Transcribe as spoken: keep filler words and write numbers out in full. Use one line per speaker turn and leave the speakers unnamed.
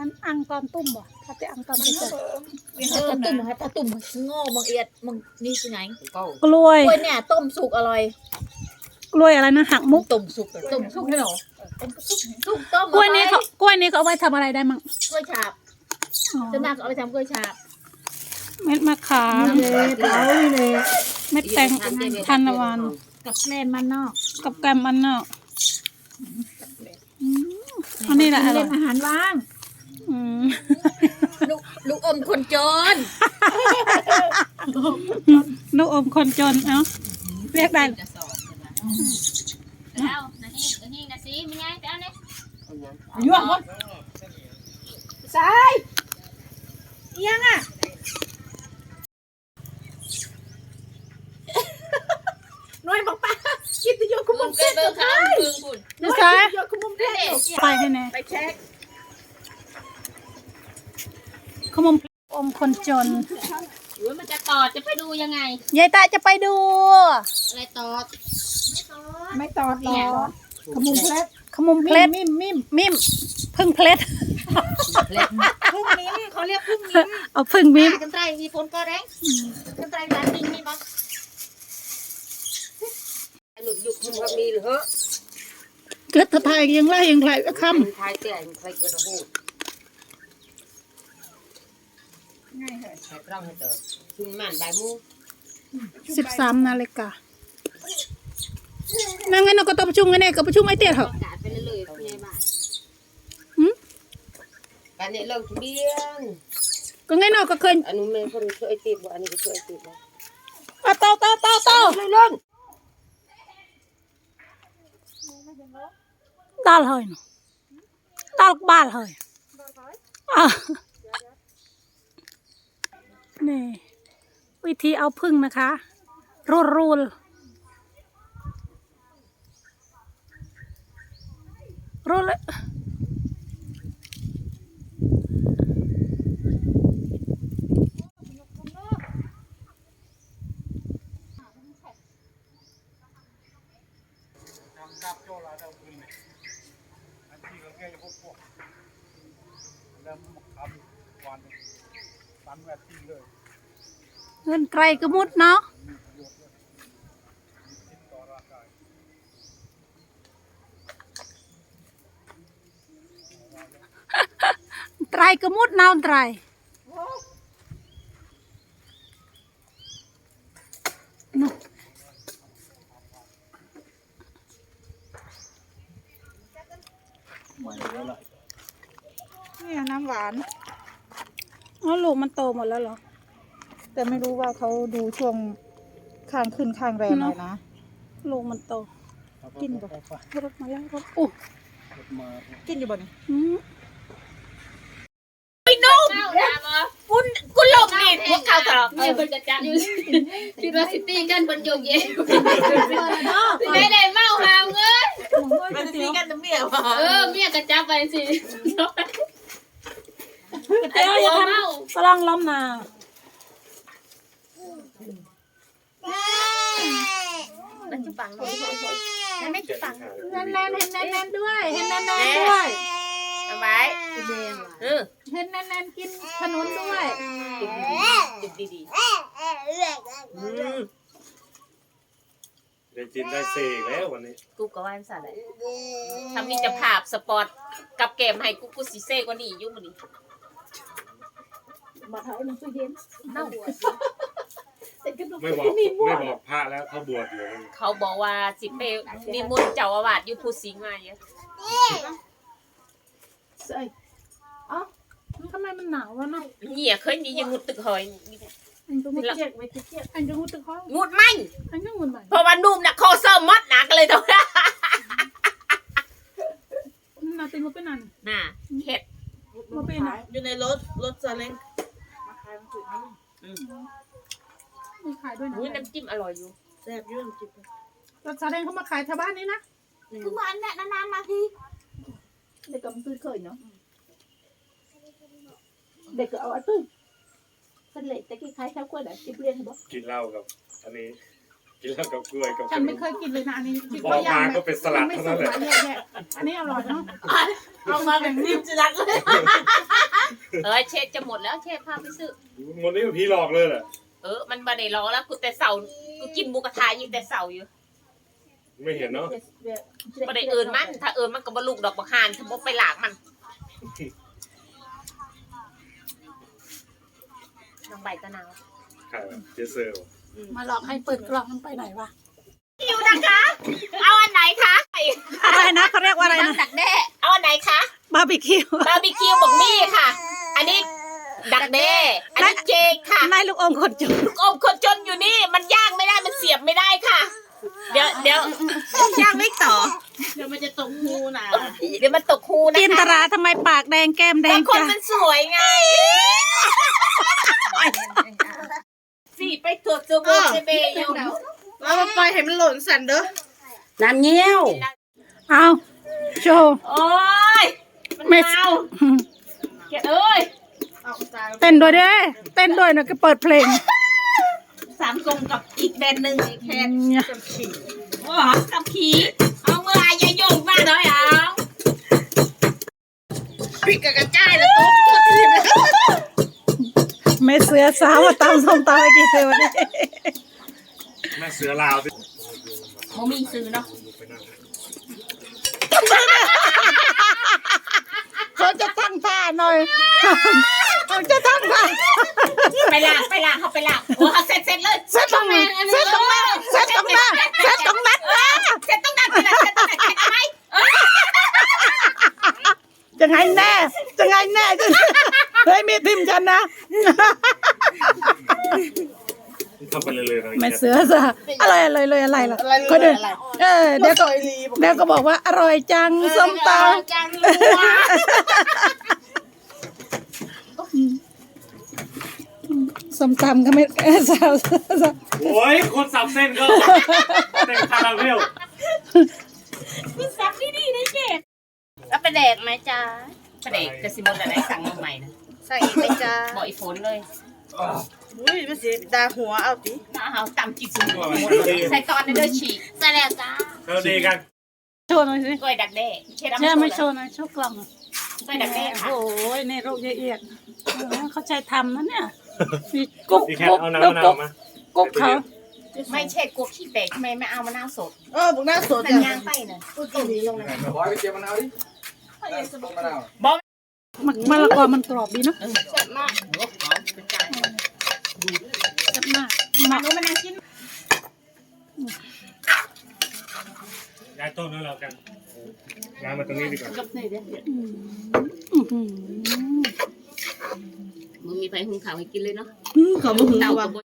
มันอังตอนตุ้มบ่ถ้าจะอังตอนตุ้ม
เออตุ่มให้ปลาตุ่มโง่บางเอียดมึงนี่คือไง
กล้วย
กล้วยเนี่ยต้มสุกอร่อย
กล้วยอะไรนะหักมุก
ต้มสุกต้มสุกให้หรอต้มสุกสุกต้ม
กล้วยนี้เขากล้วยนี้เขาเอาไว้ทำอะไรได้มั่ง
กล้วยฉาบ
อ๋อ
จะนักเอาไปทำกล้วยฉาบ
เม็ดมะขามเม็ดแตงทานตะวัน
กับแกล้มมันนอก
กับแกมมันเนาะอืมอันนี้แหละอร่
เล่
อย
นอาหารว่าง
อืม
ลูกลูกอมคนจน
ลูกอมคนจนเอ้าเรียกได้
แล้วนะฮินะฮินะสิมีไงไปเอาเนี่ย
ยั่วคนสายยังอ่ะหน่วยบอกป้าคิดจะโยกคุม
มึง
เส้
เกิ
น
ด
ตั
เบิ่
ว
ง
ท้า
ข้าวย มึงคุณ
นี่ซ้าย
โยกคุมเส้น
ไปให้แน่
ไปเช็ค
ขมมอมคนจน
หรือมันจะตอดจะไปดูยังไง
ยายตาจะไปดู
อะไรตอด
ไม่ตอดหรอกขมุมเพลส
ขมมเพลท
มิมมิม
มิมพึ่งเพลท
พึ่งมิมเขาเรียกพึ่งมิม
เอาพึ่งมิม
กันไตรมีฝนก็แรงกันไตรร้านดินมีบ่หลุดหยุดมึงว่ามีหรือเหรอ
เกิดทายยังไล่ยังไล่ค
ทายแต่งใครเกิดหู
ง่ายเหรอ
ใครร่างให้เติมชุมมันบ่ายมู
ำสิบสามนาฬิกานั่งไงเราก็ต้องประชุมกันเนี่ยก็ประชุมไอเตี้ยเหรอ
ประกาศไปเลยๆคุณยายบ้าน
หืม
การเนี่ยลงทะเบียน
ก็ไงเนาะก็เคย
อันนู้นแม่คนช่วยติดบ่อันนี้ก็ช่วยติดบ่
เอาเต้าเต้าเต้าเต้า
เลยเล่น
ตาลเฮ้ยเนาะตาลบ้านเฮ้ยอ่ะนี่วิธีเอาพึ่งนะคะรูลรูลรูลเลยเงินไกลก็มุดเนาะไตรก็มุดน้ำไตรนู่น
นี่น้ำหวาน
อ๋อลูกมันโตหมดแล้วเหรอ
แต่ไม่รู้ว่าเขาดูช่วงข้างขึ้นข้างแรงเลยนะ
ลูกมันโต
กินบ่
รถมาแล้วรถอู้
กินอยู่บ่นี่
อืม
เข้าดาบ่
คุณคุณหลบนี่พวกเขาตลอด
เนี่ยเพิ่นจะจับอยู่คิดว่าสิตีกันเพิ่นโยกเย่ไม่ได้เมาหามเอ้ย
มันตีกันน้ำเมียว่ะ
เออเมียก็จับไปสิ
เดี๋ยวอย่าทำกำลังล้อมนา
มันจะปังเลยมันไม่จะปัง
แน่นแน่นเห็นแน่นแน่นด้วยเห็นแน่นแน่นด้วย
เอาไว้เออ
เห็นแน่นแน่นกินขนุนด้วย
จุดดี
ได้จินได้เสกแล้ววันนี้
ๆกูก็ว่าสั่นแหละถ้ามีจะภาพสปอร์ตกับเกมให้กูกูสิเซ่กว่านี้อยู่มื้อนี้
มาเท้าหนึ่งตู้เย็น
เน่า
ไม่บอกไม่บอกพระแล้วเขาบวชอยู่
เขาบอกว่าสิไปนิมนต์เจ้าอาวาสอยู่ภูสิงห์มาเยอะ
เอ้ยเอ้าทำไมมันหนาววะเนาะ
เหี้ยเคยมียังงุดตึกหอย
อันก็มุดเจ็บไว้เจ็บอันก็มุดตึกห้อง
งุดไหม
อันก็มุดใหม่
เพราะว่านุ่มน่ะคอเสริมมดหนักเลยตัวน่ะ
นาติมาเป็นอัน
น่ะเห็ด
มาเป็นอ่ะ
อยู่ในรถรถซาเล้ง
มีขายด้วยนะ
อุ้ยน้ำจิ้มอร่อยอยู่
แซ่บยุ่งจิบ
รถซาเล้งเขามาขายแถวบ้านนี้นะ
คือมันเนี่ยนานๆมาทีเด็กก็มันตื้อเคยเนาะเด็กก็เอาอันตื้อเป็นเหล็กแต่กี้คล้ายข้าวกล้วยแบบจิบเรียนเห็นบ่
กินเหล้ากับ อันนี้ กินเหล้ากับกล้วยกับ
ฉันไม่เคยกินเลยนะอันนี้คิด
อ
ว่า
อก
ย่าง
มา
แบ
ก็
บ
เป็นสลัด
ไม่
เท่า
สุ
นั้น
ก
แหละ
อ่ะเนี่ยเนี่ยอันนี้อร่อยเนาะ
เอามาแบบนิ่มจะรักเลย
เออเชษจะหมดแล้วเชษพาไปซื้อ
หมดนี่ผีหลอกเลยแหละ
เออมันมาได้รอแล้วกูแต่เสากูกินหมูกระทะยิงแต่เสาอยู่
ไม่เห็นเนาะ
มาได้เอิญมันถ้าเอิญมันก็บลูกดอกบักฮานถ้าบกไปหลากมันน้องใบตะนาว
ใครวะเจเซอร์
มาหลอกให้เปิดกล่องมันไปไหนวะ
คิวนะคะ เอาอันไหนคะ
อะไรนะเขาเรียกว่าอะไรนะ
ดักแด้เอาอันไหนคะ
บาร์บีคิว
บาร์บีคิวบอกมี่ค่ะ อันนี้ดักแด้อันนี้เจกค่ะ
นายลูกอมคนจุ
ลูกอมคนจนอยู่นี่มันย่างไม่ได้มันเสียบไม่ได้ค่ะ เดี๋ยวเดี๋ยวย่างไม่ต่อ
เดี๋ยวมันจะตกหูนะ
เดี๋ยวมันตกคูนะคะ
จินตราทำไมปากแดงแก้มแด
บาง งคน
จ้ะ
มันสวยไงสี่ไปตรวจเจอโบเจเบยอยู่
แล้วมันปล่อยให้มันหล่นสันเด้อ
น้ำเงี้ยว
เอาโชว์
โอ้ยมัน
ไม่
เมาเกดเอ้ย
เอาตา
เต้นด้วยเด้เต้นด้วยนะก็เปิดเพลง
สามกลมกับอีกแบรนด์หนึ่งแค่โอ้กับขีเอาเมื่อไหร่ยายโยงมาหน่อยเอา
ปิดกระกระจายแล้วตุ๊บตุ๊บทีม
แม่เสือสาวมาตามส้มตำไอ้กี่เสือวันนี้
แม่เสือลาวสิ
โมมีซื้อเนาะ
เขาจะตั้งท่าหน่อยเขาจะตั้งท่า
ไปล้างไปล้างเขาไปล้างโอ้เสร็จเสร็จเลย
เซตตรงนั้นเซตตรงนั้นเซตตรงนั้นเซตตรงนั้นนะ
เสร็จต้องดันไปเลยเสร็จต้องดันไปไหม
จะไงแน่จะไงแน่จะเฮ้ยมีทิมฉันนะ
ทำไปเลยเลยนะ
แม่เสือซะอะไรอะไรเลยอะไรล่ะก็เดินเออเดี๋ยวก็เดี๋ยวก็บอกว่าอร่อยจังส้มตำ
จัง
ส้มตำก็ไม่เออสาวสาว
โอ้ยคนสับเส้นก็เต็มคาราเมล
คุณซักดีๆนะเจ็บ
แล้วไปแดกไหมจ๊ะ
ประเด็กกระสิบนอะไรสั่งมาใหม่นะ
ใส่อีกไหมจ๊ะ
บอกอีฝนเลย
อุ้ยมันสีดาหัวเอาติ
น้าเอาตำจิตสมุนใส่ตอนในเด้อฉีกใส่แล้วจ้า
เราดีกัน
โชว์หน่อยสิ
กล้วยดักแด้เช็ด
ใช่ไม่โชว์หน่อยโชว์กล่อง
กล้วยดักแด้ค่ะ
โอ้ยในโรคละเอียดเขาใจทำนะเนี่ยมีกุ๊ก
ดีแค่
กุ๊ก
เอาน้ำมะนาวมา
กุ๊กเขา
ไม่ใช่กุ๊กขี้แตกทำไมไม่เอามะนาวสด
เออบุกหน้าสด
มัน
จัง
ย่างไปน่ะกูกินตรงนั้น
บอยไปเก็บมะนาวดิต้นมะนาว
มันมะละกอมันกรอบดีเนาะ
แซ่บมาก
แซ่บมาก
มาโน้มันนั่งกิน
ย้ายต้นแล้วเรากันย้ายมาตรงนี้ดีกว่า
อื้อหือ
มึงมีไฟหุงข้าวให้กินเลยเนาะ
ขอบุกหน้า
เต่า
ว่า
กับ